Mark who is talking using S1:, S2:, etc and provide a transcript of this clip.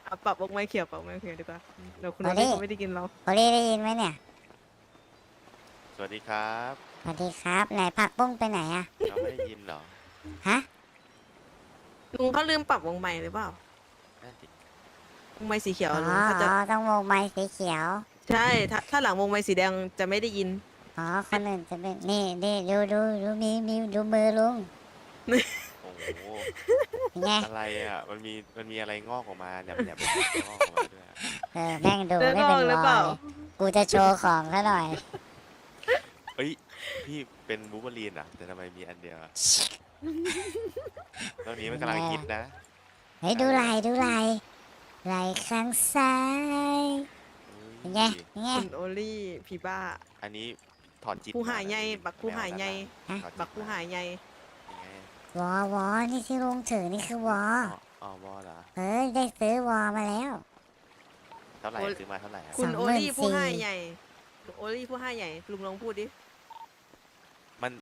S1: ปรับวงไม้เขียวปรับวงไม้เขียวดีกว่าเดี๋ยวคุณ
S2: โอ
S1: โอ
S2: เล่
S1: เล่เขาไม่ได้กินเรา
S2: โอเล่ได้ยินไหมเนี่ย
S3: สวัสดีครับ
S2: สวัสดีครับไหนผักบุ้งไปไหนอะ
S3: เราไม่ได้ยินเหรอ
S2: ฮะ
S1: ลุงเขาลืมปรับวงไม้หรือเปล่า
S3: นั่นดิ
S1: วงไม้สีเขียว
S2: อ๋อ
S1: ลุงเขาจะ
S2: ต้องวงไม้สีเขียว
S1: ใช่ถ้าหลังวงไม้สีแดงจะไม่ได้ยิน
S2: อ๋อคนอื่นจะเป็นนี่ดูมีดูมือลุง
S3: โอ้โห
S2: เป็นไง
S3: อะไรอ่ะ มันมีอะไรงอกออกมาแหลมงอกออกมาด้วยอะ
S2: แม่งดู
S1: เลือด
S2: ไม่
S1: อ
S2: เป็
S1: อก
S2: น
S1: หรือ
S2: ร
S1: เป
S2: อ
S1: ล่า
S2: ยกูจะโชว์ของซะหน่อย
S3: เอ้ย พี่เป็นบูเบอรีนอ่ะ แต่ทำไมมีอันเดียวอะตอนนี้มันกำลังฮิตนะ
S2: เฮ้ยดูไหลข้างซ้ายเป็นไง
S3: อุ้ย
S2: เป็นไง
S1: คุณโอลี่ผีบ้า
S3: อันนี้ถอดจิต
S1: ผู้หาย
S3: มนะ
S1: ใหญ่
S3: พี่
S1: บักผู้หายใหญ่
S2: ฮะ
S3: ถอดจิต
S1: บักผู้หายใหญ่
S3: ยังไง
S2: วอนี่ที่ลุงถือนี่คือวอ
S3: อ๋อวอเหรอ
S2: เฮ้ยได้ซื้อวอมาแล้ว
S3: เท่าไหร่ซื้อมาเท่าไหร่อะ
S1: คุณโอลี่
S2: 24,000
S1: ผู้หายใหญ่คุณโอลี่ผู้หายใหญ่ลุงลองพูดดิ